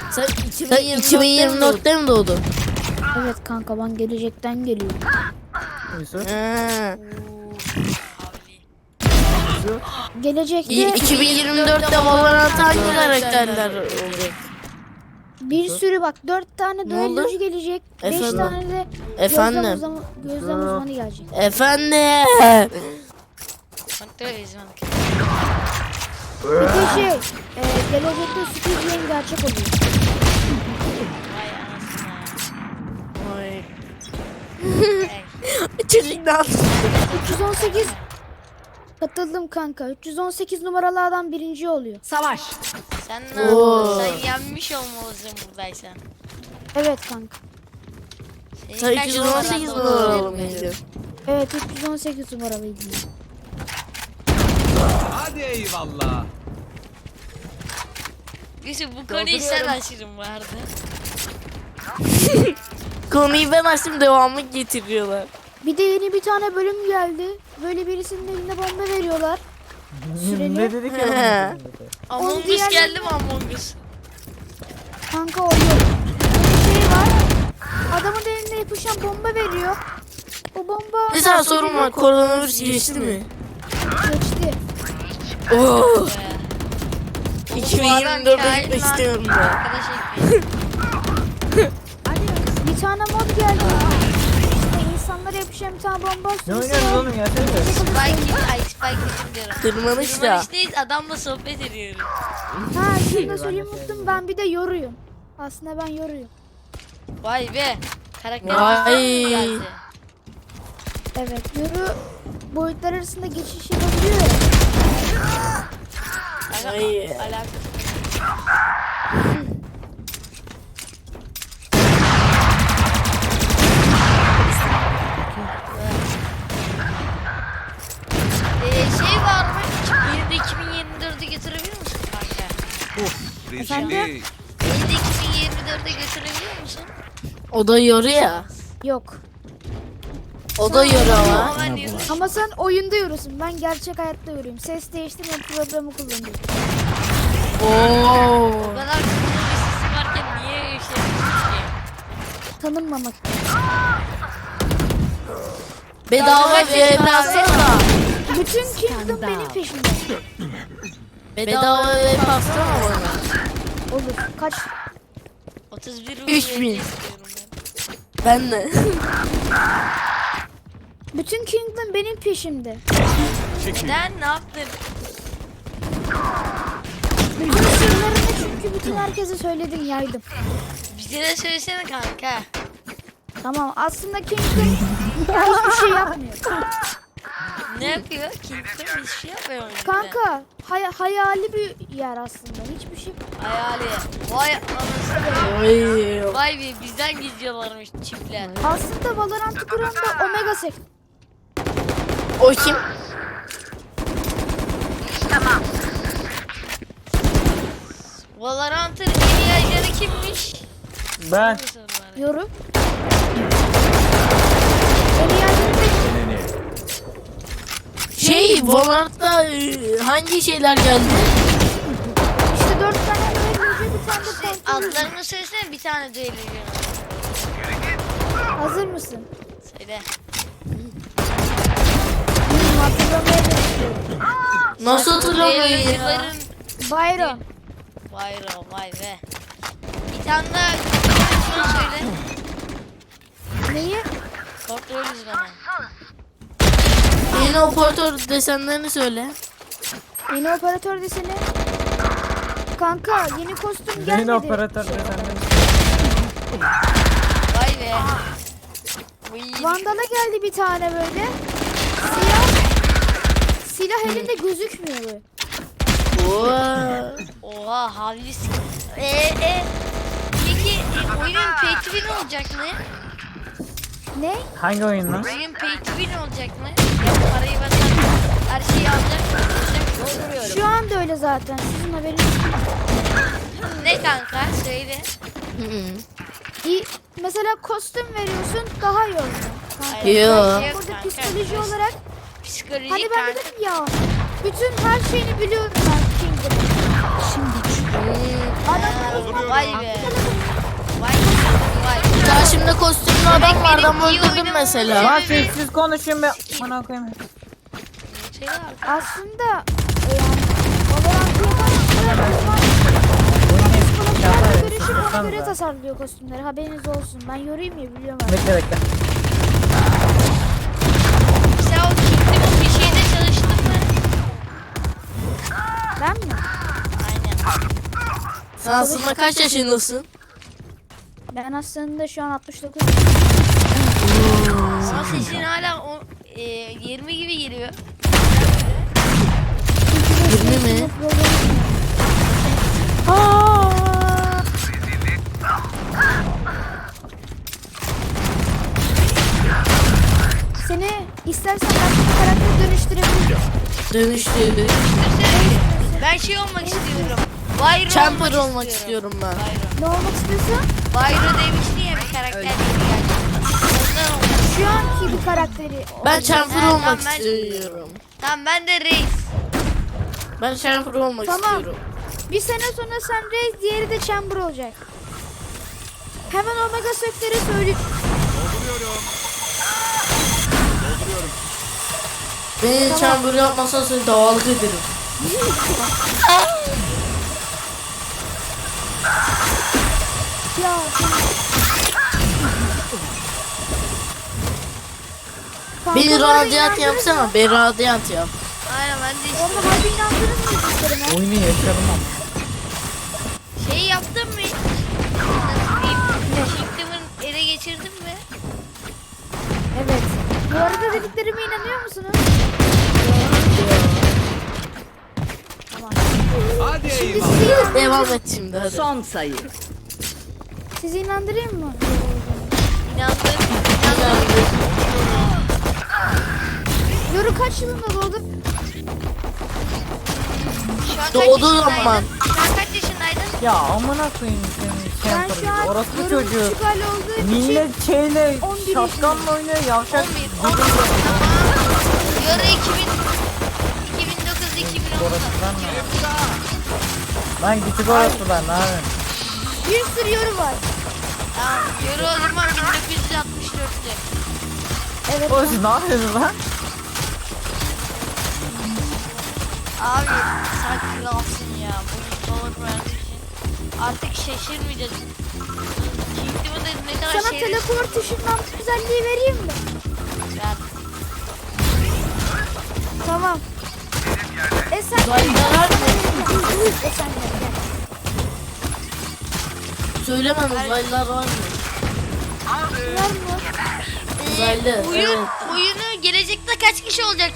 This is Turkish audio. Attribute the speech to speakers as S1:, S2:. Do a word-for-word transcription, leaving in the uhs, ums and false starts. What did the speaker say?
S1: Sen iki bin yirmi dörtte mi doğdun?
S2: Evet kanka, ben gelecekten geliyorum.
S3: Yusuf.
S1: Ha.
S2: Gelecekte
S1: iki bin yirmi dörtte Valorant'ta hangi karakterler olacak?
S2: bir sürü bak, dört tane
S1: Ne
S2: düellocu gelecek. beş
S1: Efendim?
S2: tane de
S1: Efendim?
S2: gözlem, uzama, gözlem uzmanı gelecek.
S1: Efendim.
S2: Bir de şey, e, gelecekte Squid Game gerçek oluyor.
S1: Vay. Çocuk ne yaptı?
S2: üç yüz on sekiz katıldım kanka. üç yüz on sekiz numaralı adam birinci oluyor.
S4: Savaş.
S5: Sen ne
S1: Oo.
S5: yaptın? Sen yenmiş olmalısın buradaysan.
S2: Evet kanka.
S5: Senin
S1: Sen
S5: kaç
S1: iki yüz on sekiz
S5: numaran da
S1: numaralı
S5: olabilir?
S1: mıydın?
S2: Evet, üç yüz on sekiz numaralıydım.
S6: Hadi eyvallah.
S5: Yusuf bu konuyu sen aşırım vardı.
S1: Konuyu ben açtım, devamı getiriyorlar.
S2: Bir de yeni bir tane bölüm geldi. Böyle birisinin eline bomba veriyorlar. Süreli.
S3: Ne dedik
S1: He.
S3: ya?
S5: Among Us
S2: diğer-
S5: geldi mi Among Us?
S2: Kanka o yok. Bir şey var. Adamın eline yapışan bomba veriyor. O bomba
S1: Bir tane sorun var, koronavirüs geçti mi?
S2: geçti.
S1: Oh.
S5: Bu
S1: iki bin
S5: adam
S1: yirmi dörde
S5: kain
S1: gitmek
S5: lan.
S1: istiyorum ben.
S5: Arkadaş ekmeği.
S2: Bir tane mod geldi. İşte insanlara yapışan bir tane bomba
S3: Ne
S2: sürüsü
S3: oynuyorsunuz
S2: var.
S3: oğlum ya? Sen de.
S5: Spike, ay Spike dedim diyorum.
S1: Tırmanış da.
S5: Tırmanıştayız, adamla sohbet ediyoruz.
S2: Ha, şunu da söyleyeyim, unuttum. Ben bir de yoruyum. Aslında ben yoruyum.
S5: Vay be. Karakter
S1: Vay.
S5: geldi.
S2: Evet, yoru boyutlar arasında geçiş yapabiliyor ya.
S5: Aga,
S1: Vay.
S5: alakası. Ee, şey var mı? Bir de iki bin yirmi dörde götürebilir misin kanka?
S6: Rezillik.
S5: Bir de iki bin yirmi dörde götürebiliyor musun?
S1: O da yoru ya.
S2: Yok.
S1: O da yoru ama.
S5: Ama ben diyorum.
S2: Ama sen oyunda yorusun. Ben gerçek hayatta yoruyum. Ses değiştirme programı kullanıyorum.
S1: Oo.
S5: O kadar kızgın bir sesim varken niye öyle şey yapıyorsun ki?
S2: Tanınmamak.
S1: Bedava V P atsana.
S2: Bütün Kingdom benim peşimde.
S1: Bedava V P atsana bana.
S2: Olur. Kaç?
S5: otuz bir
S1: Üç
S5: rupiye
S1: bin.
S5: istiyorum ben.
S1: Ben de.
S2: Bütün Kingdom benim peşimde.
S5: Neden? Ne yaptın?
S2: Bütün sırlarını çünkü bütün herkese söyledim, yaydım.
S5: Bize de söylesene kanka.
S2: Tamam, aslında Kingdom hiçbir şey yapmıyor.
S5: Ne yapıyor? Kimse hiçbir şey yapmıyor. mu bizde?
S2: Kanka hay- hayali bir yer aslında. Hiçbir şey.
S5: Hayali. Vay anasını.
S1: Oy.
S5: Vay be bizden gizliyorlarmış çiftler.
S2: Aslında Valorant'ı kuran da Omega Sek.
S1: O kim?
S5: Valorant'ın en iyi ajanı kimmiş?
S3: Ben.
S2: Yoru. En iyi yerleri de
S1: Şey, Valorant'ta e, hangi şeyler geldi?
S2: işte dört tane böyle bir tane de kontrol.
S5: Adlarını söylesene bir tane düello yiyorum.
S2: Hazır mısın?
S5: Söyle.
S2: Hmm, hatırlamaya çalışıyorum.
S1: Nasıl hatırlamıyorum ya?
S5: Düellocuların
S2: Byron.
S5: Bayro vay be. Bir tane daha şunu söyle.
S2: Neyi?
S5: Kontrol uzmanı.
S1: Yeni operatör desenlerini söyle.
S2: Yeni operatör deseni. Kanka yeni kostüm
S3: Yeni
S2: gelmedi.
S3: operatör de senden.
S5: Vay be. Uy.
S2: Vandal'a geldi bir tane böyle. Silah. Silah elinde gözükmüyor böyle.
S1: Oo.
S5: Oha havlis. Eee e. Peki e, oyunun pay to win olacak mı?
S2: Ne?
S3: Hangi oyun lan?
S5: Oyun pay to win olacak mı? Ya parayı benden her şeyi alacak mı? Olacak mı?
S2: Şu anda öyle zaten. Sizin haberiniz yok.
S5: Ne kanka söyle.
S2: İyi. Mesela kostüm veriyorsun, daha iyi oluyor. Kanka.
S5: Hayır,
S1: Yo.
S5: bir şey yok
S2: Burada
S5: kanka.
S2: psikoloji olarak
S5: Psikoloji
S2: hani ben
S5: kanka.
S2: dedim ya, bütün her şeyini biliyorum ben Kingdom'un. Şimdi
S5: Ee, Vay be. Vay vay.
S1: Karşımda kostümlü adam vardı ama
S5: iyi
S1: öldürdüm
S5: oynamamın
S1: mesela.
S3: Lan
S5: sebebi-
S3: sessiz konuşun be. Bana koyayım.
S5: Şey var.
S2: Aslında e, yani Valorant yapan görüşüp ona göre tasarlıyor kostümleri. Haberiniz olsun. Ben yorayım ya biliyorum ben.
S3: Bekle bekle.
S5: Sen o Kingdom'un bir şeyde çalıştın mı?
S2: Ben mi?
S5: Aynen.
S1: Sen aslında kaç yaşındasın?
S2: Ben aslında şu an altmış dokuz.
S5: Ama sesin hala o, e, yirmi gibi geliyor.
S1: yirmi mi?
S2: Seni istersen ben karakter dönüştürebilirim.
S1: Dönüştü.
S5: Ben şey olmak istiyorum. Byron
S1: Champer olmak istiyorum ben.
S5: Byron.
S2: Ne olmak istiyorsun?
S5: Byron demiştin ya bir karakter yeni geldi. Ondan olmak.
S2: Şu anki bir karakteri.
S1: Ben Champer
S5: Ha,
S1: olmak
S5: tamam, ben-
S1: istiyorum.
S5: Tamam ben de reis.
S1: Ben Champer olmak
S2: Tamam.
S1: istiyorum.
S2: Bir sene sonra sen Reis, diğeri de Chamber olacak. Hemen Omega Sektör'e söyleyeyim.
S6: Dolduruyorum. Dolduruyorum.
S1: Beni Chamber yapmasan seni davalık ederim.
S2: Ya Kanka,
S1: Beni
S2: bu arada
S1: radyant
S2: inandınız
S1: yapsana.
S2: mı?
S1: Beni radyant yap.
S5: Aynen ben de
S2: Orada harbi inandınız mı dediklerime?
S3: Oyunu yaşadım ama.
S5: şey yaptın mı? Kingdom'un ele geçirdin mi?
S2: Evet. Bu arada dediklerime inanıyor musunuz? Tamam.
S6: Hadi
S2: Şimdi
S6: eyvallah.
S2: sizi,
S1: Devam et şimdi hadi.
S4: Son sayı.
S2: sizi inandırayım mı?
S5: İnandım. İnandım.
S2: Yoru kaç yılında doğdun?
S5: Şu an kaç
S1: Doğduğu
S5: yaşındaydın?
S1: zaman.
S5: Şu an kaç yaşındaydın?
S3: Ya amına koyayım senin
S2: Ben
S3: Champer.
S2: şu an
S3: Orası
S2: Yoru'nun
S3: çocuğu.
S2: küçük hali olduğu için
S3: Millet şeyle
S2: on bir
S3: şapkanla oynuyor yavşak.
S5: on bir, on bir. Tamam. Yarı iki bin, iki bin dokuz, iki bin on.
S3: Orasıdan ne? Lan küçük orasıdan ne yapayım?
S2: bir sürü yoru var.
S5: Tamam. Yarı o zaman bin dokuz yüz altmış dörtte.
S2: Evet.
S3: O siz ne yapıyorsunuz lan?
S5: Abi sen kralsın ya. Bugün dolar verdiği için. Artık şaşırmayacağız. Kingdom'u da ne kadar
S2: Sana
S5: şey
S2: teleport ışınlanma özelliği vereyim mi?
S5: ver.
S2: Tamam. E sen
S1: Uzaylılar var mı?
S2: E sen gel, gel.
S1: Söylemem uzaylılar var mı?
S2: Var mı?
S1: Uzaylı.
S5: Oyun,
S1: Evet.
S5: oyunu gelecekte kaç kişi olacak?